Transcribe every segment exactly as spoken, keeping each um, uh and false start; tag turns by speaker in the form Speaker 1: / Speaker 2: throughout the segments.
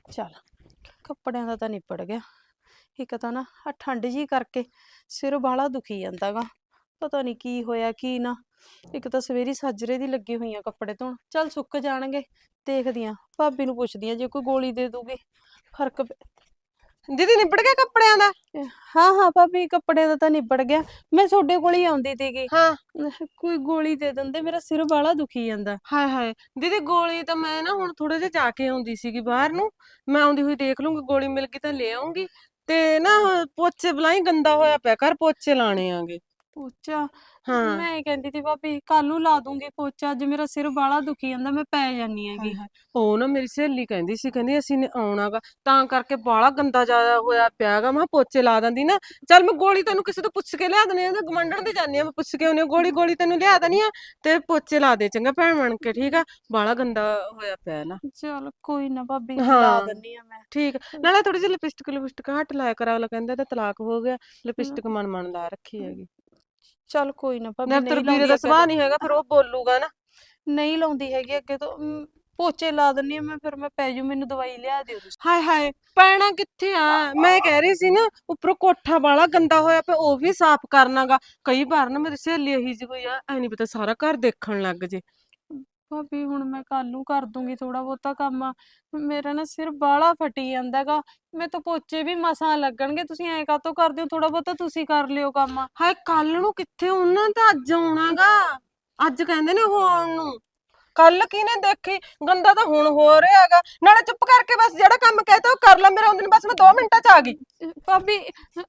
Speaker 1: ਚੱਲ ਕੱਪੜਿਆਂ ਦਾ ਤਾਂ ਨਿਬੜ ਗਿਆ। ਇੱਕ ਤਾਂ ਨਾ ਆ ਠੰਡ ਜੀ ਕਰਕੇ ਸਿਰ ਬਾਹਲਾ ਦੁਖੀ ਜਾਂਦਾ ਗਾ। ਪਤਾ ਨਹੀਂ ਕੀ ਹੋਇਆ ਕੀ ਨਾ। ਇੱਕ ਤਾਂ ਸਵੇਰੀ ਸਾਜਰੇ ਦੀ ਲੱਗੀ ਹੋਈ ਆ ਕੱਪੜੇ ਧੋਣ। ਚੱਲ ਸੁੱਕ ਜਾਣਗੇ, ਦੇਖਦੀ ਆ ਭਾਬੀ ਨੂੰ ਪੁੱਛਦੀ ਆ ਜੇ ਕੋਈ ਗੋਲੀ ਦੇ ਦੂਗੀ ਫਰਕ ਪੈ।
Speaker 2: ਦੀਦੀ ਨਿਬੜ ਗਿਆ ਕੱਪੜਿਆਂ ਦਾ?
Speaker 1: ਹਾਂ ਹਾਂ ਭਾਬੀ ਕੱਪੜਿਆਂ ਦਾ ਤਾਂ ਨਿਬੜ ਗਿਆ। ਮੈਂ ਤੁਹਾਡੇ ਕੋਲ ਹੀ ਆਉਂਦੀ ਸੀਗੀ,
Speaker 2: ਹਾਂ।
Speaker 1: ਕੋਈ ਗੋਲੀ ਦੇ ਦਿੰਦੇ, ਮੇਰਾ ਸਿਰ ਬਾਹਲਾ ਦੁਖੀ ਜਾਂਦਾ।
Speaker 2: ਹਾਏ ਹਾਏ ਦੀਦੀ ਗੋਲੀ ਤਾਂ ਮੈਂ ਨਾ ਹੁਣ ਥੋੜੇ ਜਿਹਾ ਜਾ ਕੇ ਆਉਂਦੀ ਸੀਗੀ ਬਾਹਰ ਨੂੰ। ਮੈਂ ਆਉਂਦੀ ਹੋਈ ਦੇਖ ਲੂੰਗੀ, ਗੋਲੀ ਮਿਲ ਗਈ ਤਾਂ ਲੈ ਆਉਂਗੀ। ਤੇ ਨਾ ਪੋਚੇ ਬਲਾਈ ਗੰਦਾ ਹੋਇਆ ਪਿਆ, ਘਰ ਪੋਚੇ ਲਾਣੇ ਆਂਗੇ।
Speaker 1: ਪੋਚਾ
Speaker 2: ਹਾਂ।
Speaker 1: ਮੈਂ ਕਹਿੰਦੀ ਸੀ ਭਾਬੀ ਕੱਲ ਨੂੰ ਲਾ ਦੂੰਗੀ ਪੋਚਾ, ਅੱਜ ਮੇਰਾ ਸਿਰ ਬਾਹਲਾ ਦੁਖੀ ਜਾਂਦਾ, ਮੈਂ ਪੈ ਜਾਨੀ
Speaker 2: ਹਾਏ
Speaker 1: ਹੈਗੀ।
Speaker 2: ਹਾਏ ਉਹ ਨਾ ਮੇਰੀ ਸਹੇਲੀ ਕਹਿੰਦੀ ਸੀ, ਕਹਿੰਦੀ ਅਸੀਂ ਨੇ ਆਉਣਾਗਾ ਤਾਂ ਕਰਕੇ ਬਾਹਲਾ ਗੰਦਾ ਜਿਆਦਾ ਹੋਇਆ ਪਿਆਗਾ। ਮੈਂ ਕਿਹਾ ਪੋਚੇ ਲਾ ਦਿੰਦੀ ਨਾ। ਚੱਲ ਮੈਂ ਗੋਲੀ ਤੈਨੂੰ ਕਿਸੇ ਤੋਂ ਪੁੱਛ ਕੇ ਲਿਆ ਦਨੀ ਆ, ਗਮੰਡਣ ਦੇ ਜਾਨੀ ਆ, ਮੈਂ ਪੁੱਛ ਕੇ ਆਉਣੀ ਆ ਗੋਲੀ ਗੋਲੀ ਤੈਨੂੰ ਲਿਆ ਦਨੀ ਆ ਤੇ ਪੋਚੇ ਲਾ ਦੇ ਚੰਗਾ ਭੈਣ ਬਣ ਕੇ, ਠੀਕ ਆ? ਬਾਹਲਾ ਗੰਦਾ ਹੋਇਆ ਪਿਆ ਨਾ।
Speaker 1: ਚਲ ਕੋਈ ਨਾ ਭਾਬੀ ਲਾ
Speaker 2: ਹਾਂ
Speaker 1: ਦਿੰਨੀ ਆ ਮੈਂ।
Speaker 2: ਠੀਕ ਆ। ਨਾਲੇ ਥੋੜੀ ਜਿਹੀ ਲਿਪਸਟਿਕ ਲਿਪਸਟਿਕ ਹੱਟ ਲਾਇਆ ਕਰਾ, ਅਗਲਾ ਕਹਿੰਦਾ ਤਾਂ ਤਲਾਕ ਹੋ ਗਿਆ,
Speaker 1: ਹਮ,
Speaker 2: ਲਿਪਸਟਿਕ ਮਨ ਮਨ ਲਾ ਰੱਖੀ ਹੈਗੀ।
Speaker 1: ਚੱਲ ਕੋਈ ਨਾ ਭਾਬੀ
Speaker 2: ਨਾ ਤੇਰੇ
Speaker 1: ਨਹੀਂ
Speaker 2: ਵੀਰੇ
Speaker 1: ਲਾਉਂਦੀ
Speaker 2: ਦਾ
Speaker 1: ਅੱਗੇ
Speaker 2: ਸੁਭਾਅ
Speaker 1: ਤੋਂ,
Speaker 2: ਨਹੀਂ ਹੈਗਾ, ਫਿਰ ਉਹ ਬੋਲੂਗਾ ਨਾ।
Speaker 1: ਨਹੀਂ ਲਾਉਂਦੀ ਹੈਗੀ ਅੱਗੇ ਤੋਂ। ਅਮ, ਪੋਚੇ ਲਾ ਦਿੰਨੀ ਆ ਮੈਂ, ਫਿਰ ਮੈਂ ਪੈ ਜੂ, ਮੈਨੂੰ ਦਵਾਈ ਲਿਆ ਦਿਓ ਤੁਸੀਂ।
Speaker 2: ਹਾਏ ਹਾਏ ਪੈਣਾ ਕਿੱਥੇ ਆ? ਮੈਂ ਕਹਿ ਰਹੀ ਸੀ ਨਾ ਉੱਪਰੋਂ ਕੋਠਾ ਵਾਲਾ ਗੰਦਾ ਹੋਇਆ ਪਿਆ, ਉਹ ਵੀ ਸਾਫ਼ ਕਰਨਾਗਾ। ਕਈ ਵਾਰ ਨਾ ਮੇਰੀ ਸਹੇਲੀ ਇਹੀ ਜਿਹੀ ਕੋਈ ਆ, ਐ ਨੀ ਪਤਾ ਸਾਰਾ ਘਰ ਦੇਖਣ ਲੱਗ ਜੇ।
Speaker 1: ਭਾਬੀ ਹੁਣ ਮੈਂ ਕੱਲ ਨੂੰ ਕਰ ਦੂੰਗੀ ਥੋੜਾ ਬਹੁਤਾ ਕੰਮ। ਮੇਰਾ ਨਾ ਸਿਰ ਬਾਹਲਾ ਫਟੀ ਜਾਂਦਾਗਾ, ਮੈਂ ਤਾਂ ਪੋਚੇ ਵੀ ਮਸਾਂ ਲੱਗਣਗੇ। ਤੁਸੀਂ ਐਂ ਕਾਹਤੋਂ ਕਰਦੇ ਹੋ? ਥੋੜਾ ਬਹੁਤਾ ਤੁਸੀਂ ਕਰ ਲਿਓ ਕੰਮ।
Speaker 2: ਹਾਏ ਕੱਲ ਨੂੰ ਕਿੱਥੇ, ਉਹਨਾਂ ਤਾਂ ਅੱਜ ਆਉਣਾਗਾ। ਅੱਜ ਕਹਿੰਦੇ ਨੇ ਉਹ ਆਉਣ ਨੂੰ। ਕੱਲ ਕਿਹਨੇ ਦੇਖੀ? ਗੰਦਾ ਤਾਂ ਹੁਣ ਹੋ ਰਿਹਾ ਹੈਗਾ। ਨਾਲੇ ਚੁੱਪ ਕਰਕੇ ਬਸ ਜਿਹੜਾ ਕੰਮ ਕਹਿਤਾ ਉਹ ਕਰ ਲੈ, ਮੇਰਾ ਉਹਦੇ ਬਸ ਮੈਂ ਦੋ ਮਿੰਟਾਂ ਚ ਆ ਗਈ।
Speaker 1: ਭਾਬੀ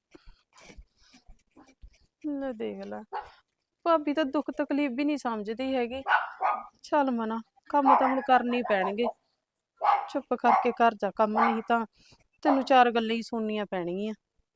Speaker 1: ਲੈ ਦੇਖ ਲੈ, ਭਾਬੀ ਤਾਂ ਦੁੱਖ ਤਕਲੀਫ ਵੀ ਨਹੀਂ ਸਮਝਦੀ ਹੈਗੀ। ਚੱਲ ਮਨਾ, ਕੰਮ ਤਾਂ ਹੁਣ ਕਰਨੇ ਹੀ ਪੈਣਗੇ। ਚੁੱਪ ਕਰਕੇ ਕਰ ਜਾ ਕੰਮ, ਨਹੀਂ ਤਾਂ ਤੈਨੂੰ ਚਾਰ ਗੱਲਾਂ ਹੀ ਸੁਣਨੀਆਂ ਪੈਣਗੀਆਂ।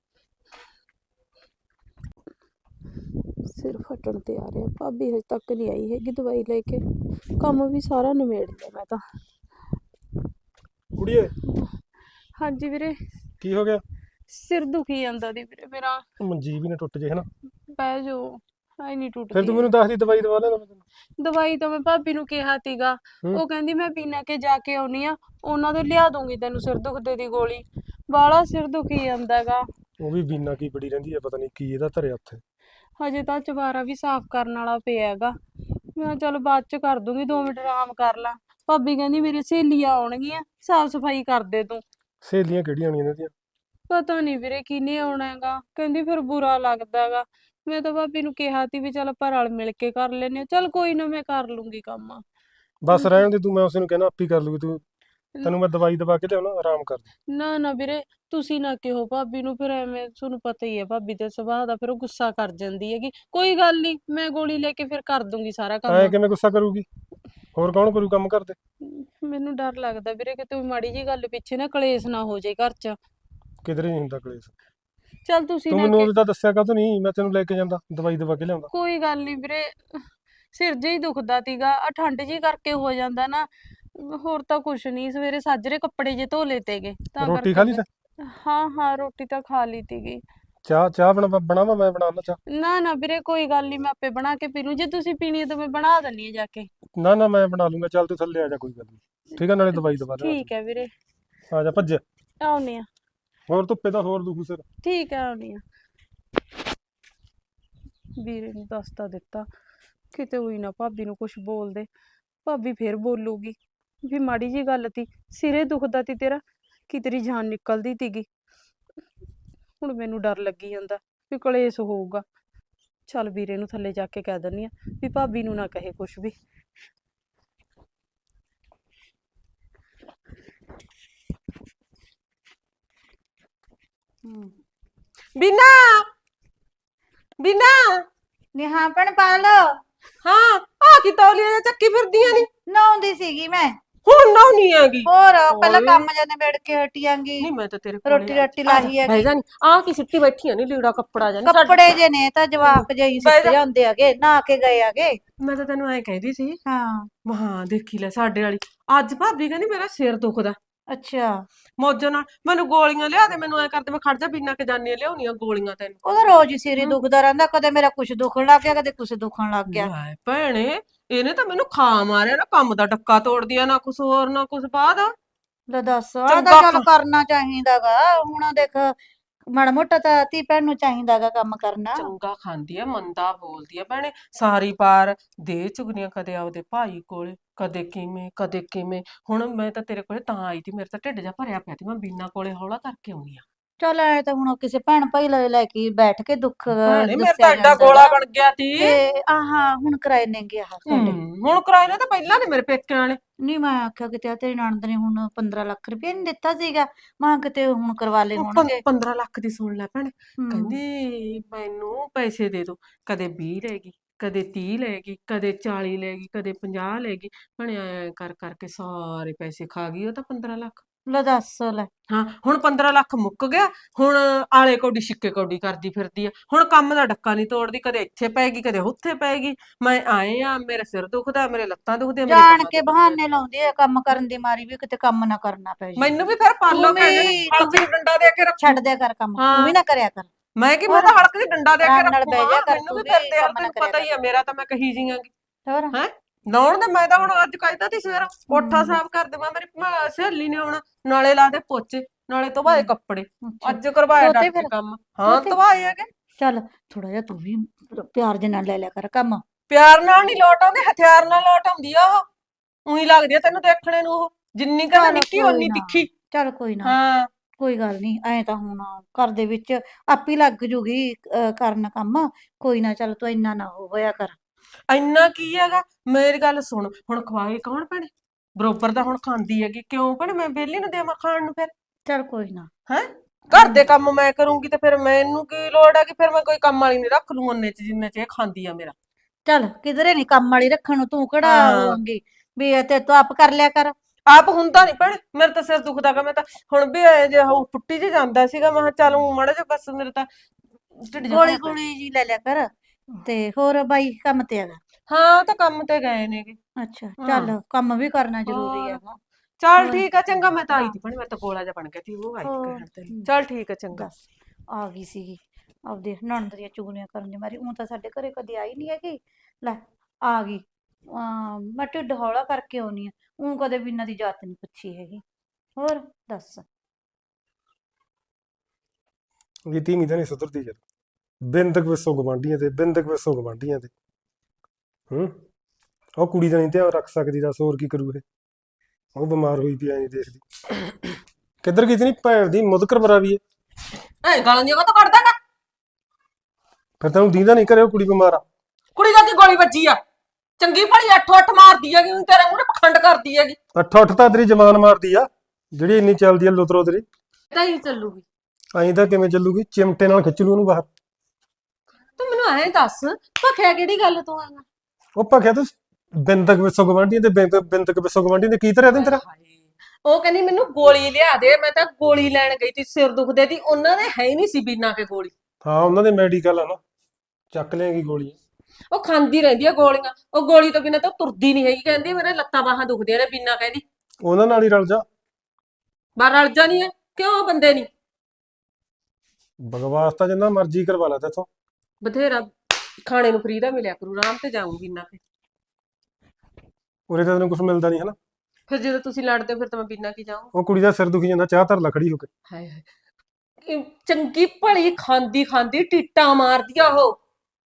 Speaker 1: ਸਿਰ ਫਟਣ ਤੇ ਆ ਰਿਹਾ, ਭਾਬੀ ਹਜੇ ਤੱਕ ਨਹੀਂ ਆਈ ਹੈਗੀ ਦਵਾਈ ਲੈ ਕੇ। ਕੰਮ ਵੀ ਸਾਰਾ ਨਿਬੇੜ ਲਿਆ ਮੈਂ ਤਾਂ।
Speaker 3: ਕੁੜੀਏ
Speaker 1: ਹਾਂਜੀ ਵੀਰੇ।
Speaker 3: ਕੀ ਹੋ ਗਿਆ?
Speaker 1: ਸਿਰ ਦੁਖੀ ਜਾਂਦਾ ਦੀ ਵੀਰੇ ਮੇਰਾ।
Speaker 3: ਮੰਜੀ ਵੀ ਨਾ ਟੁੱਟ ਜੇ ਹਨਾ।
Speaker 1: ਬਹਿ ਜਾਓ, ਆਈ ਨਹੀਂ
Speaker 3: ਫਿਰ
Speaker 1: ਟੁੱਟਦੀ
Speaker 3: ਤੂੰ ਮੈਨੂੰ ਦੱਸਦੀ ਦਵਾਈ ਦਵਾ ਲੈਣਾ ਮੈਂ ਤੈਨੂੰ।
Speaker 1: ਦਵਾਈ ਤਾਂ ਮੈਂ ਭਾਬੀ ਨੂੰ ਕਿਹਾ ਤੀਗਾ,
Speaker 3: ਹੂੰ।
Speaker 1: ਉਹ ਕਹਿੰਦੀ ਮੈਂ ਪੀਣਾ ਕੇ ਜਾ ਕੇ ਆਉਣੀ ਆ, ਉਹਨਾਂ ਦੇ ਲਿਆ ਦੂੰਗੀ ਤੈਨੂੰ ਸਿਰ ਦੁਖਦੇ ਦੀ ਗੋਲੀ। ਬਾਹਲਾ ਸਿਰ ਦੁਖੀ ਜਾਂਦਾਗਾ।
Speaker 3: ਉਹ ਵੀ ਬੀਨਾ ਕੀ ਬੜੀ ਰਹਿੰਦੀ ਹੈ, ਪਤਾ ਨਹੀਂ ਕੀ ਇਹਦਾ ਧਰਿਆ ਉੱਥੇ।
Speaker 1: ਹਜੇ ਤਾਂ ਚਵਾਰਾ ਵੀ ਸਾਫ਼ ਕਰਨ ਵਾਲਾ ਪਿਆ ਹੈਗਾ। ਮੈਂ ਚਲ ਬਾਅਦ ਚ ਕਰ ਦੂੰਗੀ, ਦੋ ਮਿੰਟ ਆਰਾਮ ਕਰ ਲਾ। ਭਾਬੀ ਕਹਿੰਦੀ ਮੇਰੀ ਸਹੇਲੀਆਂ ਆਉਣਗੀਆਂ, ਸਾਫ਼ ਸਫਾਈ ਕਰ ਦੇ ਤੂੰ।
Speaker 3: ਸਹੇਲੀਆਂ ਕਿਹੜੀਆਂ ਆਉਣੀਆਂ ਇਹਨਾਂ ਦੀਆਂ?
Speaker 1: ਪਤਾ ਨਹੀਂ ਵੀਰੇ ਕਿਹਨੇ ਆਉਣਾ ਹੈਗਾ, ਕਹਿੰਦੀ ਫਿਰ ਬੁਰਾ ਲੱਗਦਾਗਾ। ਮੈਂ ਤਾਂ ਭਾਬੀ ਨੂੰ ਕਿਹਾ ਤੀ ਵੀ ਚੱਲ ਆਪਾਂ ਰਲ ਮਿਲ ਕੇ ਕਰ ਲੈਨੇ ਆ। ਚੱਲ ਕੋਈ ਨਾ ਮੈਂ ਕਰ ਲੂੰਗੀ ਕੰਮ।
Speaker 3: ਬਸ ਰਹਿਣ ਦੇ ਤੂੰ, ਮੈਂ ਉਸੇ ਨੂੰ ਕਹਿਣਾ ਆਪੀ ਕਰ ਲੂਗੀ ਤੂੰ। ਤੈਨੂੰ ਮੈਂ ਦਵਾਈ ਦਵਾ ਕੇ ਲਿਆਉਣਾ, ਆਰਾਮ ਕਰ।
Speaker 1: ਨਾ ਨਾ ਵੀਰੇ ਤੁਸੀਂ ਨਾ ਕਿਹੋ ਭਾਬੀ ਨੂੰ, ਫਿਰ ਐਵੇਂ ਤੁਹਾਨੂੰ ਪਤਾ ਹੀ ਹੈ ਭਾਬੀ ਦੇ ਸੁਭਾਅ ਦਾ, ਫਿਰ ਉਹ ਗੁੱਸਾ ਕਰ ਜਾਂਦੀ ਹੈਗੀ। ਕੋਈ ਗੱਲ ਨਹੀਂ, ਮੈਂ ਗੋਲੀ ਲੈ ਕੇ ਫਿਰ ਕਰ ਦੂੰਗੀ ਸਾਰਾ
Speaker 3: ਐਂ
Speaker 1: ਕੰਮ।
Speaker 3: ਕਿਵੇਂ ਗੁੱਸਾ ਕਰੂਗੀ? ਹੋਰ ਕੌਣ ਕਰੂ ਕੰਮ ਕਰਦੇ?
Speaker 1: ਮੈਨੂੰ ਡਰ ਲੱਗਦਾ ਵੀਰੇ ਕਿ ਤੂੰ ਮਾੜੀ ਜੀ ਗੱਲ ਪਿੱਛੇ ਨਾ ਕਲੇਸ਼ ਨਾ ਹੋ ਜਾਏ ਘਰ 'ਚ।
Speaker 3: ਕਿਧਰੇ ਨਹੀਂ ਹੁੰਦਾ ਕਲੇਸ਼।
Speaker 1: ਚੱਲ ਤੁਸੀਂ
Speaker 3: ਤੂੰ
Speaker 1: ਨਾ
Speaker 3: ਮੈਨੂੰ
Speaker 1: ਕਿ
Speaker 3: ਉਹਦੇ ਤਾਂ ਦੱਸਿਆ ਕਾਹਤੋਂ ਨਹੀਂ? ਮੈਂ ਤੈਨੂੰ ਲੈ ਕੇ ਜਾਂਦਾ, ਦਵਾਈ ਦਵਾ ਕੇ ਲਿਆਉਂਦਾ।
Speaker 1: ਕੋਈ ਗੱਲ ਨਹੀਂ ਵੀਰੇ, ਸਿਰ ਜਿਹਾ ਹੀ ਦੁਖਦਾ ਤੀਗਾ, ਆ ਠੰਡ ਜੀ ਕਰਕੇ ਹੋ ਜਾਂਦਾ ਨਾ, ਹੋਰ ਤਾਂ ਕੁਛ ਨਹੀਂ। ਸਵੇਰੇ ਸਾਜਰੇ ਕੱਪੜੇ ਜੇ ਧੋ ਲਏ ਤੇਗੇ ਤਾਂ
Speaker 3: ਰੋਟੀ
Speaker 1: ਕਰਕੇ
Speaker 3: ਖਾ ਲਈ
Speaker 1: ਮੈਂ-
Speaker 3: ਤੈਂ?
Speaker 1: ਹਾਂ ਹਾਂ ਰੋਟੀ ਤਾਂ ਖਾ ਲਈ ਤੀਗੀ।
Speaker 3: ਚਾਹ ਚਾਹ ਬਣਾ ਬਣਾਵਾ, ਮੈਂ ਬਣਾਉਣਾ ਚਾਹ?
Speaker 1: ਨਾ ਨਾ ਵੀਰੇ ਕੋਈ ਗੱਲ ਨਹੀਂ, ਮੈਂ ਆਪੇ ਬਣਾ ਕੇ ਪੀ ਲੂੰ। ਜੇ ਤੁਸੀਂ ਪੀਣੀ ਹੈ ਤਾਂ ਮੈਂ ਬਣਾ ਦਿੰਨੀ ਆ ਜਾ ਕੇ।
Speaker 3: ਨਾ ਨਾ ਮੈਂ ਬਣਾ ਲੂੰਗਾ, ਚੱਲ ਤੂੰ ਥੱਲੇ ਆ ਜਾ, ਕੋਈ ਗੱਲ ਨਹੀਂ। ਠੀਕ ਆ, ਨਾਲੇ ਦਵਾਈ ਦਵਾ ਲਿਆ
Speaker 1: ਠੀਕ ਹੈ ਵੀਰੇ,
Speaker 3: ਆ ਜਾ ਭੱਜ।
Speaker 1: ਆਉਣੀ ਆ।
Speaker 3: ਹੋਰ ਧੁੱਪੇ ਦਾ ਹੋਰ ਦੁਖੂ ਸਿਰ।
Speaker 1: ਠੀਕ ਹੈ ਆਉਣੀ ਆ। ਵੀਰੇ ਨੂੰ ਦੱਸ ਤਾਂ ਦਿੱਤਾ, ਕਿਤੇ ਹੋਈ ਨਾ ਭਾਬੀ ਨੂੰ ਕੁਛ ਬੋਲਦੇ। ਭਾਬੀ ਫੇਰ ਬੋਲੂਗੀ ਵੀ ਮਾੜੀ ਜੀ ਗੱਲ ਤੀ, ਸਿਰੇ ਦੁਖਦਾ ਤੀ ਤੇਰਾ, ਕਿ ਤੇਰੀ ਜਾਨ ਨਿਕਲਦੀ ਤੀਗੀ। ਹੁਣ ਮੈਨੂੰ ਡਰ ਲੱਗੀ ਜਾਂਦਾ ਵੀ ਕਲੇਸ਼ ਹੋਊਗਾ। ਚੱਲ ਵੀਰੇ ਨੂੰ ਥੱਲੇ ਜਾ ਕੇ ਕਹਿ ਦਿੰਨੀ ਆ ਵੀ ਭਾਬੀ ਨੂੰ ਨਾ ਕਹੇ ਕੁਛ ਵੀ।
Speaker 2: ਬੀਨਾ ਬੀਨਾ
Speaker 4: ਨੀ ਹਾਂ ਭੈਣ ਪਾਲ
Speaker 2: ਹਾਂ ਆ ਕੀ ਤੌਲੀਆਂ ਜਿਹਾ ਚੱਕੀ ਫਿਰਦੀਆਂ ਨੀ?
Speaker 4: ਨਹਾਉਂਦੀ ਸੀਗੀ ਮੈਂ।
Speaker 2: ਹੁਣ ਨਹਾਉਣੀ ਹੈਗੀ?
Speaker 4: ਹੋਰ ਪਹਿਲਾਂ
Speaker 2: ਓਏ।
Speaker 4: ਕੰਮ ਜਾਂ ਨਿਬੇੜ ਕੇ ਹਟੀਆਂਗੀ।
Speaker 2: ਨਹੀਂ ਮੈਂ ਤਾਂ ਤੇਰੇ ਕੋਲ
Speaker 4: ਰੋਟੀ ਰਾਟੀ ਲਾਹੀ ਹੈਗੀ।
Speaker 2: ਬਹਿ ਜਾ ਨੀ, ਆ ਕੀ ਸਿੱਟੀ ਬੈਠੀ ਆ ਨੀ ਲੀੜਾ ਕੱਪੜਾ ਜਾਂ
Speaker 4: ਕੱਪੜੇ ਜੇ ਨੇ ਤਾਂ ਜਵਾਕ ਜਿਹੀ
Speaker 2: ਬਹਿ
Speaker 4: ਸਿੱਟ
Speaker 2: ਜਾ।
Speaker 4: ਜਾਂਦੇ ਹੈਗੇ, ਨਹਾ ਕੇ ਗਏ ਹੈਗੇ।
Speaker 2: ਮੈਂ ਤਾਂ ਤੈਨੂੰ ਐ ਕਹਿੰਦੀ ਸੀ,
Speaker 4: ਹਾਂ
Speaker 2: ਮਹਾ ਦੇਖੀ ਲੈ ਸਾਡੇ ਵਾਲੀ ਅੱਜ ਭਾਬੀ ਕਹਿੰਦੀ ਮੇਰਾ ਸਿਰ ਦੁਖਦਾ।
Speaker 4: ਅੱਛਾ,
Speaker 2: ਮੌਜਾਂ ਨਾਲ ਮੈਨੂੰ ਗੋਲੀਆਂ ਲਿਆ ਦੇ, ਮੈਨੂੰ ਐ ਕਰਦੇ ਮੈਂ ਖੜ ਜਾ ਬਿਨਾ ਕੇ ਜਾਨੀ ਲਿਆਉਣੀਆਂ ਗੋਲੀਆਂ ਤੈਨੂੰ।
Speaker 4: ਉਹਦਾ ਰੋਜ਼ ਹੀ ਸਿਰ ਹੀ
Speaker 2: ਹਮ।
Speaker 4: ਦੁਖਦਾ ਰਹਿੰਦਾ, ਕਦੇ ਮੇਰਾ ਕੁਛ ਦੁਖਣ ਲੱਗ ਗਿਆ, ਕਦੇ ਕੁਛ ਦੁਖਣ ਲੱਗ ਗਿਆ।
Speaker 2: ਲੈ ਭੈਣੇ ਇਹਨੇ ਤਾਂ ਮੈਨੂੰ ਖਾ ਮਾਰਿਆ ਨਾ, ਕੰਮ ਦਾ ਡੱਕਾ ਤੋੜਦੀ ਆ, ਨਾ ਕੁਛ ਹੋਰ ਨਾ ਕੁਛ ਬਾਅਦ।
Speaker 4: ਲੈ ਦੱਸ ਆ
Speaker 2: ਚੰਗਾ
Speaker 4: ਤਾਂ ਚੱਲ
Speaker 2: ਕੰਮ-
Speaker 4: ਕਰਨਾ ਚਾਹੀਦਾਗਾ। ਹੁਣ ਦੇਖ ਮਾੜਾ ਮੋਟਾ ਤਾਂ ਧੀ ਭੈਣ ਨੂੰ ਚਾਹੀਦਾਗਾ ਕੰਮ ਕਰਨਾ।
Speaker 2: ਚੰਗਾ ਖਾਂਦੀ ਐ, ਮੰਦਾ ਬੋਲਦੀ ਐ ਭੈਣੇ, ਸਾਰੀ ਪਾਰ ਦੇ ਚੁਗਲੀਆਂ ਕਦੇ ਆਪਦੇ ਭਾਈ ਕੋਲੇ, ਕਦੇ ਕਿਵੇਂ ਕਦੇ ਕਿਵੇਂ। ਹੁਣ ਮੈਂ ਤਾਂ ਤੇਰੇ ਕੋਲੇ ਤਾਂ ਆਈ ਤੀ, ਮੇਰੇ ਤਾਂ ਢਿੱਡ ਜਾ ਭਰਿਆ ਪਿਆ ਤੀ, ਮੈਂ ਬੀਨਾ ਕੋਲੇ ਹੌਲਾ ਕਰਕੇ ਆਉਣੀ ਆ।
Speaker 4: ਚੱਲ ਐ ਤਾਂ ਹੁਣ ਕਿਸੇ ਭੈਣ ਭਾਈ ਲੈ ਲੈ ਕੇ ਬੈਠ ਕੇ ਦੁੱਖ ਅਹ,
Speaker 2: ਭੈਣੇ ਮੇਰਾ ਤਾਂ
Speaker 4: ਦੱਸਿਆ
Speaker 2: ਐਡਾ
Speaker 4: ਜਾਂਦਾ
Speaker 2: ਗੋਲਾ
Speaker 4: ਗਾ।
Speaker 2: ਬਣ ਗਿਆ ਤੀ।
Speaker 4: ਤੇ ਆਹਾਂ ਹੁਣ ਕਿਰਾਏ ਨੇ ਗਿਆ ਸਾਡੇ।
Speaker 2: ਹੂੰ ਹੁਣ ਕਿਰਾਏ ਨੇ ਤਾਂ ਪਹਿਲਾਂ ਨੇ ਮੇਰੇ ਪੇਕਿਆਂ ਵਾਲੇ।
Speaker 4: ਨਹੀਂ ਮੈਂ ਆਖਿਆ ਕਿਤੇ ਆ ਤੇਰੀ ਨਣਦ ਨੇ ਹੁਣ ਪੰਦਰਾਂ ਲੱਖ ਰੁਪਏ ਨਹੀਂ ਦਿੱਤਾ ਸੀਗਾ। ਮੈਂ ਕਿਹਾ ਕਿਤੇ ਹੁਣ ਕਰਵਾ ਲਏ
Speaker 2: ਉਹ ਪੰ-
Speaker 4: ਹੋਣਗੇ।
Speaker 2: ਪੰਦਰਾਂ ਲੱਖ ਦੀ ਸੁਣ ਲੈ ਭੈਣੇ,
Speaker 4: ਹੂੰ
Speaker 2: ਕਹਿੰਦੀ ਮੈਨੂੰ ਪੈਸੇ ਦੇ ਦੋ, ਕਦੇ ਵੀਹ ਲੈਗੀ, ਕਦੇ ਤੀਹ ਲੈਗੀ, ਕਦੇ ਚਾਲੀ ਲੈਗੀ, ਕਦੇ ਪੰਜਾਹ ਲੈਗੀ। ਭੈਣੇ ਐ ਕਰ ਕਰਕੇ ਸਾਰੇ ਪੈਸੇ ਖਾ ਗਈ ਉਹ ਤਾਂ ਪੰਦਰਾਂ ਲੱਖ।
Speaker 4: ਲੈ ਦੱਸ ਲੈ।
Speaker 2: ਹਾਂ ਹੁਣ ਪੰਦਰਾਂ ਲੱਖ ਮੁੱਕ ਗਿਆ, ਹੁਣ ਆਲੇ ਕੌਡੀ ਛਿੱਕੇ ਕੌਡੀ ਕਰਦੀ ਫਿਰਦੀ ਆ। ਹੁਣ ਕੰਮ ਦਾ ਡੱਕਾ ਨਹੀਂ ਤੋੜਦੀ, ਕਦੇ ਇੱਥੇ ਪੈਗੀ ਕਦੇ ਉੱਥੇ ਪੈਗੀ। ਮੈਂ ਆਏ ਆ, ਮੇਰੇ ਸਿਰ ਦੁਖਦਾ, ਮੇਰੇ ਲੱਤਾਂ ਦੁਖਦੀਆਂ, ਮੇਰੇ
Speaker 4: ਜਾਣ
Speaker 2: ਬਾਹਾਂ
Speaker 4: ਕੇ
Speaker 2: ਦੁਖਦੀਆਂ।
Speaker 4: ਬਹਾਨੇ ਲਾਉਂਦੀ ਹੈ ਕੰਮ ਕਰਨ ਦੀ ਮਾਰੀ ਵੀ ਕਿਤੇ ਕੰਮ ਨਾ ਕਰਨਾ ਪੈ ਜੇ।
Speaker 2: ਮੈਨੂੰ ਵੀ ਫਿਰ ਪਾਲੋ
Speaker 4: ਤੂੰ
Speaker 2: ਕਹਿੰਦੇ ਨੇ
Speaker 4: ਵੀ- ਤੂੰ
Speaker 2: ਹਲਕ ਦੀ ਡੰਡਾ ਦੇ ਕੇ ਰੱਖੂ।
Speaker 4: ਛੱਡ ਦਿਆ ਕਰ ਕੰਮ ਤੂੰ
Speaker 2: ਹਾਂ।
Speaker 4: ਵੀ ਨਾ ਕਰਿਆ ਕਰ।
Speaker 2: ਮੈਂ ਕਿ ਮੈਂ ਤਾਂ ਹਲਕ ਦੀ ਡੰਡਾ ਦੇ ਕੇ
Speaker 4: ਆਰਾਮ ਨਾਲ
Speaker 2: ਰੱਖੂ
Speaker 4: ਬਹਿ ਜਾ
Speaker 2: ਮਾਂ,
Speaker 4: ਕਰ,
Speaker 2: ਮੈਨੂੰ
Speaker 4: ਤੂੰ
Speaker 2: ਵੀ
Speaker 4: ਵੀ
Speaker 2: ਫਿਰ ਤੇ
Speaker 4: ਕੰਮ ਨਾ
Speaker 2: ਤੈਨੂੰ
Speaker 4: ਕਰਿਆ
Speaker 2: ਪਤਾ ਹੀ ਆ, ਮੇਰਾ ਤਾਂ ਮੈਂ ਕਹੀ ਜੀਆਂਗੀ
Speaker 4: ਹੋਰ
Speaker 2: ਹੈ। ਨੌਣ ਦੇ ਮੈਂ ਤਾਂ ਹੁਣ ਅੱਜ ਕਹਿੰਦਾ ਤੀ ਸਵੇਰ ਕੋਠਾ ਸਾਫ਼ ਕਰ ਦੇਵਾਂ, ਮੇਰੀ ਭਾ- ਸਹੇਲੀ ਨੇ ਆਉਣਾ, ਨਾਲੇ ਲਾ ਦੇ ਪੋਚੇ, ਨਾਲੇ ਧਵਾਏ ਕੱਪੜੇ।
Speaker 4: ਅੱਛਾ।
Speaker 2: ਅੱਜ ਕਰਵਾਇਆ
Speaker 4: ਧੋਤੇ
Speaker 2: ਡੱਟ ਕੇ
Speaker 4: ਫਿਰ?
Speaker 2: ਕੰਮ। ਹਾਂ
Speaker 4: ਧੋਤੇ?
Speaker 2: ਧਵਾਏ ਹੈਗੇ।
Speaker 4: ਚੱਲ ਥੋੜਾ ਜਿਹਾ ਤੂੰ ਵੀ ਪਿਆਰ ਦੇ ਨਾਲ ਲੈ ਲਿਆ ਕਰ ਕੰਮ।
Speaker 2: ਪਿਆਰ ਨਾਲ ਨਹੀਂ ਲੋਟ ਆਉਂਦੇ, ਹਥਿਆਰ ਨਾਲ ਲੋਟ ਆਉਂਦੀ ਆ ਉਹ। ਉਹੀ ਲੱਗਦੀ ਆ ਤੈਨੂੰ ਦੇਖਣੇ ਨੂੰ ਉਹ, ਜਿੰਨੀ ਕਹਿੰਦਾ
Speaker 4: ਚੱਲ
Speaker 2: ਨਿੱਕੀ
Speaker 4: ਕੋਈ
Speaker 2: ਓਨੀ
Speaker 4: ਨਾ।
Speaker 2: ਤਿੱਖੀ।
Speaker 4: ਚੱਲ ਕੋਈ ਨਾ
Speaker 2: ਹਾਂ
Speaker 4: ਕੋਈ ਗੱਲ ਨਹੀਂ। ਐ ਤਾਂ ਹੁਣ ਘਰ ਦੇ ਵਿੱਚ ਆਪੀ ਲੱਗ ਜੂਗੀ ਅਹ, ਕਰਨ ਕੰਮ। ਕੋਈ ਨਾ ਚੱਲ ਤੂੰ ਇੰਨਾ ਨਾ ਹੋ ਹੋਇਆ ਕਰ।
Speaker 2: ਇੰਨਾ ਕੀ ਹੈਗਾ, ਮੇਰੀ ਗੱਲ ਸੁਣ, ਹੁਣ ਖਵਾਏ ਕੌਣ ਭੈਣੇ, ਬਰੋਬਰ ਦਾ ਹੁਣ ਖਾਂਦੀ ਹੈਗੀ, ਕਿਉਂ ਭੈਣੇ ਮੈਂ ਵਿਹਲੀ ਨੂੰ ਦੇਵਾਂ ਖਾਣ ਨੂੰ ਫਿਰ।
Speaker 4: ਚੱਲ ਕੋਈ ਨਾ।
Speaker 2: ਹੈ ਘਰ ਦੇ ਕੰਮ ਮੈਂ ਕਰੂੰਗੀ ਤੇ ਫਿਰ ਮੈਨੂੰ ਕੀ ਲੋੜ ਆ ਕਿ ਫਿਰ ਮੈਂ ਕੋਈ ਕੰਮ ਵਾਲੀ ਨਹੀਂ ਰੱਖ ਲੂ ਉਹਨੇ ਚ ਜਿੰਨੇ ਚ ਇਹ ਖਾਂਦੀ ਆ ਮੇਰਾ।
Speaker 4: ਚੱਲ ਕਿਧਰੇ ਨਹੀਂ ਕੰਮ ਵਾਲੀ ਰੱਖਣ ਨੂੰ, ਤੂੰ ਕਿਹੜਾ
Speaker 2: ਹਾਂ
Speaker 4: ਹੋਵਾਂਗੀ ਵੀ ਇਹ ਤੇ ਤੂੰ ਆਪ ਕਰ ਲਿਆ ਕਰ।
Speaker 2: ਆਪ ਹੁੰਦਾ ਨਹੀਂ ਭੈਣੇ, ਮੇਰੇ ਤਾਂ ਸਿਰ ਦੁਖਦਾ ਗਾ। ਮੈਂ ਤਾਂ ਹੁਣ ਵੀ ਇਹ ਜੇ ਉਹ ਪੁੱਟੀ ਚ ਜਾਂਦਾ ਸੀਗਾ, ਮੈਂ ਕਿਹਾ ਚੱਲ ਊਂ ਮਾੜਾ ਜਿਹਾ ਬਸ ਮੇਰੇ ਤਾਂ ਢਿੱਡ ਜਿਹਾ
Speaker 4: ਗੋਲੀ
Speaker 2: ਭਰਿਆ ਪਿਆ।
Speaker 4: ਗੋਲੀ ਜੀ ਲੈ ਲਿਆ ਕਰ। ਤੇ ਹੋਰ ਬਾਈ ਕੰਮ ਤੇ ਹੈਗਾ?
Speaker 2: ਹਾਂ ਉਹ ਤਾਂ ਕੰਮ ਤੇ ਗਏ ਨੇਗੇ।
Speaker 4: ਅੱਛਾ
Speaker 2: ਹਾਂ।
Speaker 4: ਚੱਲ ਕੰਮ ਵੀ ਕਰਨਾ ਜ਼ਰੂਰੀ
Speaker 2: ਹੋਰ।
Speaker 4: ਹੈਗਾ।
Speaker 2: ਚੱਲ
Speaker 4: ਹੋਰ।
Speaker 2: ਠੀਕ ਆ ਚੰਗਾ, ਮੈਂ ਤਾਂ ਆਈ
Speaker 4: ਹਾਂ।
Speaker 2: ਸੀ ਭੈਣੇ, ਮੈਂ ਤਾਂ ਗੋਲਾ ਜਿਹਾ ਬਣ ਗਿਆ ਸੀ, ਉਹ ਆਈ ਸੀ
Speaker 4: ਹੋਰ।
Speaker 2: ਕਹਿਣ ਤੈਨੂੰ। ਚੱਲ ਠੀਕ ਆ ਚੰਗਾ।
Speaker 4: ਦੱਸ ਆ ਗਈ ਸੀਗੀ ਆਪਦੇ ਨਣਦ ਦੀਆਂ ਚੁਗਲੀਆਂ ਕਰਨ ਦੀ ਮਾਰੀ। ਉਹ ਤਾਂ ਸਾਡੇ ਘਰੇ ਕਦੇ ਆਈ ਨਹੀਂ ਹੈਗੀ। ਲੈ ਆ ਗਈ। ਆ ਮੈਂ ਢਿੱਡ ਹੌਲਾ ਕਰਕੇ ਆਉਣੀ ਆ। ਉਹ ਕਦੇ ਵੀ ਇਹਨਾਂ ਦੀ ਜਾਤ ਨਹੀਂ ਪੁੱਛੀ ਹੈਗੀ। ਹੋਰ ਦੱਸ।
Speaker 3: ਇਹ ਧੀਮੀ ਤਾਂ ਨਹੀਂ ਸੁਧਰਦੀ ਯਾਰ, ਬਿੰਦਕ ਵਿਸੋ ਗਵਾਂਢੀਆਂ ਤੇ ਬਿੰਦਕ ਵਿਸੋ ਗਵਾਂਢੀਆਂ ਤੇ। ਹੂੰ ਉਹ ਕੁੜੀ ਦਾ ਨਹੀਂ ਧਿਆਨ ਰੱਖ ਸਕਦੀ, ਦੱਸ ਹੋਰ ਕੀ ਕਰੂ ਇਹ। ਉਹ ਬਿਮਾਰ ਹੋਈ ਪਈ ਐ ਨਹੀਂ ਦੇਖਦੀ ਕਿੱਧਰ ਗਈ ਤੀ ਨਹੀਂ ਭੈਣ ਦੀ ਮੁਦਕਰ ਮਰਾ ਵੀ ਹੈ।
Speaker 2: ਐ ਗਾਲਾਂ ਦੀਆਂ ਕਾਹਤੋਂ ਕੱਢਦਾ ਗਾ?
Speaker 3: ਫਿਰ ਤੈਨੂੰ ਦੀਂਦਾ ਨਹੀਂ ਘਰੇ ਉਹ ਕੁੜੀ ਬਿਮਾਰ ਆ।
Speaker 2: ਕੁੜੀ ਦਾ ਕੀ ਗੋਲੀ ਵੱਜੀ ਆ? ਚੰਗੀ ਭਲੀ ਅੱਠੋ ਅੱਠ ਮਾਰਦੀ ਹੈਗੀ, ਊਂ ਤੇਰੇ ਮੂਹਰੇ ਪਖੰਡ ਕਰਦੀ ਹੈਗੀ।
Speaker 3: ਅੱਠ ਅੱਠ ਤਾਂ ਤੇਰੀ ਜਮਾਨ ਮਾਰਦੀ ਆ, ਜਿਹੜੀ ਇੰਨੀ ਚੱਲਦੀ ਆ ਲੁਤਰੋ ਤੇਰੀ।
Speaker 2: ਤਾਂ ਹੀ ਚੱਲੂਗੀ।
Speaker 3: ਐਂ ਤਾਂ ਕਿਵੇਂ ਚੱਲੂਗੀ, ਚਿਮਟੇ ਨਾਲ ਖਿੱਚ ਲੂ ਉਹਨੂੰ ਬਾਹਰ।
Speaker 2: ਤੂੰ ਮੈਨੂੰ ਐਂ ਦੱਸ, ਭਖਿਆ ਕਿਹੜੀ ਗੱਲ ਤੋਂ ਆ?
Speaker 3: ਉਹ ਭਖਿਆ ਤੂੰ ਬਿੰਦਕ ਵਿਸੋ ਗਵਾਂਢੀਆਂ ਤੇ ਬਿੰਦ- ਬਿੰਦਕ ਵਿਸੋ ਗਵਾਂਢੀਆਂ ਤੇ ਕੀ ਧਰਿਆ ਤੈਨੂੰ ਤੇਰਾ।
Speaker 2: ਉਹ ਕਹਿੰਦੀ ਮੈਨੂੰ ਗੋਲੀ ਲਿਆ ਦੇ, ਮੈਂ ਤਾਂ ਗੋਲੀ ਲੈਣ ਗਈ ਸੀ, ਸਿਰ ਦੁਖਦੇ ਦੀ, ਉਹਨਾਂ ਦੇ ਹੈ ਹੀ ਨਹੀਂ ਸੀ ਬਿਨਾ ਕੇ ਗੋਲੀ।
Speaker 3: ਹਾਂ ਉਹਨਾਂ ਦੇ ਮੈਡੀਕਲ ਆ ਨਾ, ਚੱਕ ਲਿਆਂਗੀ ਗੋਲੀ।
Speaker 2: ਉਹ ਖਾਂਦੀ ਰਹਿੰਦੀ ਆ ਗੋਲੀਆਂ, ਉਹ ਗੋਲੀ ਤੋਂ ਬਿਨਾ ਤਾਂ ਤੁਰਦੀ ਨਹੀਂ ਹੈਗੀ, ਕਹਿੰਦੀ ਮੇਰੇ ਲੱਤਾਂ ਬਾਹਾਂ ਦੁਖਦੀਆਂ ਨੇ ਬਿਨਾ, ਕਹਿੰਦੀ
Speaker 3: ਉਹਨਾਂ ਨਾਲ ਹੀ ਰਲ ਜਾ।
Speaker 2: ਬਾਹਰ ਰਲ ਜਾਣੀ ਹੈ ਕਿਉਂ, ਬੰਦੇ ਨਹੀਂ
Speaker 3: ਬਕਵਾਸ ਤਾਂ ਜਿੰਨਾ ਮਰਜ਼ੀ ਕਰਵਾ ਲੈ ਤੇਥੋਂ।
Speaker 2: ਬਥੇਰਾ ਖਾਣੇ ਨੂੰ ਫਰੀ ਦਾ ਮਿਲਿਆ ਕਰੂ, ਆਰਾਮ ਤੇ ਜਾਊਂਗੀ ਬਿਨਾ ਕੇ।
Speaker 3: ਉਰੇ ਤਾਂ ਤੈਨੂੰ ਕੁਝ ਮਿਲਦਾ ਨਹੀਂ ਹਨਾ।
Speaker 2: ਫਿਰ ਜਦੋਂ ਤੁਸੀਂ ਲੜਦੇ ਹੋ ਫਿਰ ਤਾਂ ਮੈਂ ਬਿਨਾ ਕੀ ਜਾਊਂ।
Speaker 3: ਉਹ ਕੁੜੀ ਦਾ ਸਿਰ ਦੁਖੀ ਜਾਂਦਾ, ਚਾਹ ਧਰ ਲਾ ਖੜੀ ਹੋ ਕੇ।
Speaker 2: ਹਾਏ ਹਾਏ, ਇਹ ਚੰਗੀ ਭਲੀ ਖਾਂਦੀ ਖਾਂਦੀ ਟੀਟਾ ਮਾਰਦੀ ਆ ਉਹ।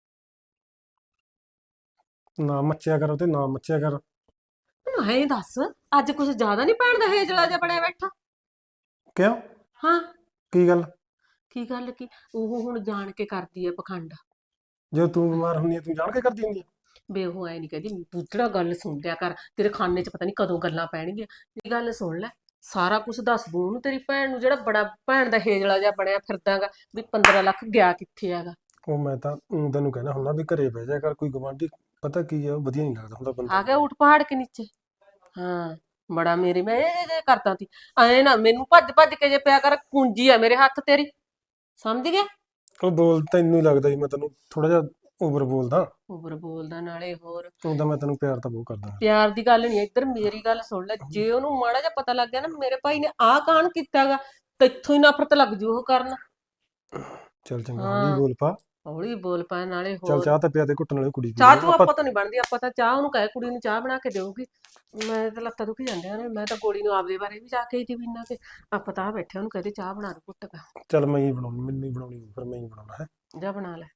Speaker 3: ਨਾ ਮੱਚਿਆ ਕਰ, ਤੇ ਨਾ ਮੱਚਿਆ ਕਰ।
Speaker 2: ਮੈਨੂੰ ਐਂ ਦੱਸ, ਅੱਜ ਕੁਝ ਜ਼ਿਆਦਾ ਨਹੀਂ ਭੈਣ ਦਾ ਹੇਜਲਾ ਜਿਹਾ ਬਣਿਆ ਬੈਠਾ?
Speaker 3: ਕਿਉਂ
Speaker 2: ਹਾਂ
Speaker 3: ਕੀ ਗੱਲ?
Speaker 2: ਕੀ ਗੱਲ ਕੀ? ਉਹ ਹੁਣ ਜਾਣ ਕੇ ਕਰਦੀ ਹੈ ਪਖੰਡ।
Speaker 3: ਜਦੋਂ ਤੂੰ ਬਿਮਾਰ ਹੁੰਦੀ ਹੈ ਤੂੰ ਜਾਣ ਕੇ ਕਰਦੀ ਹੁੰਦੀ ਹੈ।
Speaker 2: ਬੇ ਉਹ ਐ ਨਹੀਂ ਕਹਿੰਦੀ, ਬੁੱਧੜਾ ਗੱਲ ਸੁਣ ਲਿਆ ਕਰ, ਤੇਰੇ ਖਾਨੇ 'ਚ ਪਤਾ ਨਹੀਂ ਕਦੋਂ ਗੱਲਾਂ ਪੈਣਗੀਆਂ। ਇਹ ਗੱਲ ਸੁਣ ਲੈ, ਸਾਰਾ ਕੁਝ ਦੱਸ ਦੂੰ ਉਹਨੂੰ, ਤੇਰੀ ਭੈਣ ਨੂੰ, ਜਿਹੜਾ ਬੜਾ ਭੈਣ ਦਾ ਹੇਜਲਾ ਜਿਹਾ ਬਣਿਆ ਫਿਰਦਾਗਾ ਵੀ ਪੰਦਰਾਂ ਲੱਖ ਗਿਆ ਕਿੱਥੇ ਹੈਗਾ।
Speaker 3: ਉਹ ਮੈਂ ਤਾਂ ਊਂ ਤੈਨੂੰ ਕਹਿਣਾ ਹੁੰਦਾ ਵੀ ਘਰੇ ਬਹਿ ਜਾ ਕਰ, ਕੋਈ ਗਵਾਂਢੀ ਪਤਾ ਕੀ ਆ, ਉਹ ਵਧੀਆ ਨਹੀਂ ਲੱਗਦਾ ਹੁੰਦਾ
Speaker 2: ਆ
Speaker 3: ਬੰਦਾ।
Speaker 2: ਗਿਆ ਊਠ ਪਹਾੜ ਕੇ ਨੀਚੇ। ਹਾਂ ਬੜਾ ਮੇਰੀ ਮੈਂ ਇਹ ਇਹ ਕਰਦਾ ਤੀ, ਐ ਨਾ ਮੈਨੂੰ ਭੱਜ ਭੱਜ ਕੇ ਜੇ ਪਿਆ ਕਰ, ਕੁੰਜੀ ਆ ਮੇਰੇ ਹੱਥ ਤੇਰੀ, ਸਮਝ ਗਿਆ?
Speaker 3: ਉਹ ਬੋਲ ਤੈਨੂੰ ਹੀ ਲੱਗਦਾ ਜੀ ਮੈਂ ਤੈਨੂੰ ਥੋੜਾ ਜਿਹਾ ਓਵਰ ਬੋਲਦਾ।
Speaker 2: ਉਬਰ ਬੋਲਦਾ ਨਾਲੇ ਹੋਰ।
Speaker 3: ਉਹਦਾ ਮੈਂ ਤੈਨੂੰ ਪਿਆਰ ਤਾਂ ਬਹੁਤ ਕਰਦਾ।
Speaker 2: ਪਿਆਰ ਦੀ ਗੱਲ ਨਹੀਂ, ਇੱਧਰ ਮੇਰੀ ਗੱਲ ਸੁਣ ਲੈ, ਜੇ ਉਹਨੂੰ ਮਾੜਾ ਜਿਹਾ ਪਤਾ ਲੱਗ ਗਿਆ ਨਾ ਮੇਰੇ ਭਾਈ ਨੇ ਆਹ ਕਾਣ ਕੀਤਾਗਾ, ਤੇ ਇੱਥੋਂ ਹੀ ਨਫ਼ਰਤ ਲੱਗ ਜੂ ਉਹ ਕਰਨ।
Speaker 3: ਚੱਲ ਚੰਗਾ
Speaker 2: ਹਾਂ।
Speaker 3: ਹੌਲੀ ਬੋਲ ਪਾ,
Speaker 2: ਹੌਲੀ ਬੋਲ ਪਾ ਨਾਲੇ
Speaker 3: ਚੱਲ
Speaker 2: ਹੋਰ
Speaker 3: ਚਾਹ ਤਾਂ ਪਿਆ ਦੇ ਘੁੱਟਣ ਵਾਲੀ ਕੁੜੀ ਪੀ
Speaker 2: ਚਾਹ
Speaker 3: ਲੈ
Speaker 2: ਚੂਹ
Speaker 3: ਆਪਾਂ
Speaker 2: ਆਪਾਂ ਤਾਂ ਨਹੀਂ ਬਣਦੀ, ਆਪਾਂ ਤਾਂ ਚਾਹ ਉਹਨੂੰ ਕਹੇ ਕੁੜੀ ਨੂੰ ਚਾਹ ਬਣਾ ਕੇ ਦੇਊਗੀ। ਮੈਂ ਤਾਂ ਲੱਤਾਂ ਦੁਖੀ ਜਾਂਦੀਆਂ ਨੇ, ਮੈਂ ਤਾਂ ਗੋਲੀ ਨੂੰ ਆਪਦੇ ਬਾਰੇ ਵੀ ਜਾ ਕੇ ਹੀ ਪੀਣਾ ਕਿ ਆਪਾਂ ਤਾਂ ਬੈਠੇ ਉਹਨੂੰ ਕਹਦੇ ਚਾਹ ਬਣਾ ਦੇ ਘੁੱਟ ਕੇ।
Speaker 3: ਚੱਲ ਮੈਂ ਹੀ ਬਣਾਉਣੀ, ਮੈਨੂੰ ਹੀ ਬਣਾਉਣੀ ਫਿਰ ਮੈਂ ਹੀ ਬਣਾਉਣਾ ਹੈ।
Speaker 2: ਜਾ ਬਣਾ ਲੈ।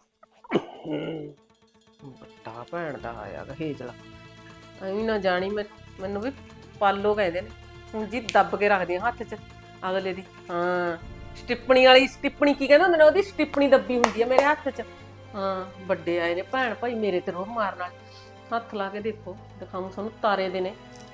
Speaker 2: ਵੱਡਾ ਭੈਣ ਦਾ ਆਇਆ ਗਾ ਹੇਜਲਾ, ਐਵੇਂ ਨਾ ਜਾਣੀ ਮੈਂ ਮੈਨੂੰ ਵੀ ਪਾਲੋ ਕਹਿੰਦੇ ਨੇ ਹੁਣ ਜੀ, ਦੱਬ ਕੇ ਰੱਖਦੀ ਆ ਹੱਥ 'ਚ ਅਗਲੇ ਦੀ। ਹਾਂ ਸਟਿੱਪਣੀ ਵਾਲੀ, ਸਟਿੱਪਣੀ ਕੀ ਕਹਿੰਦੇ ਹੁੰਦੇ ਨੇ, ਉਹਦੀ ਸਟਿੱਪਣੀ ਦੱਬੀ ਹੁੰਦੀ ਆ ਮੇਰੇ ਹੱਥ 'ਚ। ਹਾਂ ਵੱਡੇ ਆਏ ਨੇ ਭੈਣ ਭਾਈ ਮੇਰੇ ਤੇ ਰੋਹ ਮਾਰਨ ਵਾਲੇ, ਹੱਥ ਲਾ ਕੇ ਦੇਖੋ, ਦਿਖਾਉਂ ਤੁਹਾਨੂੰ ਤਾਰੇ ਦੇ ਨੇ।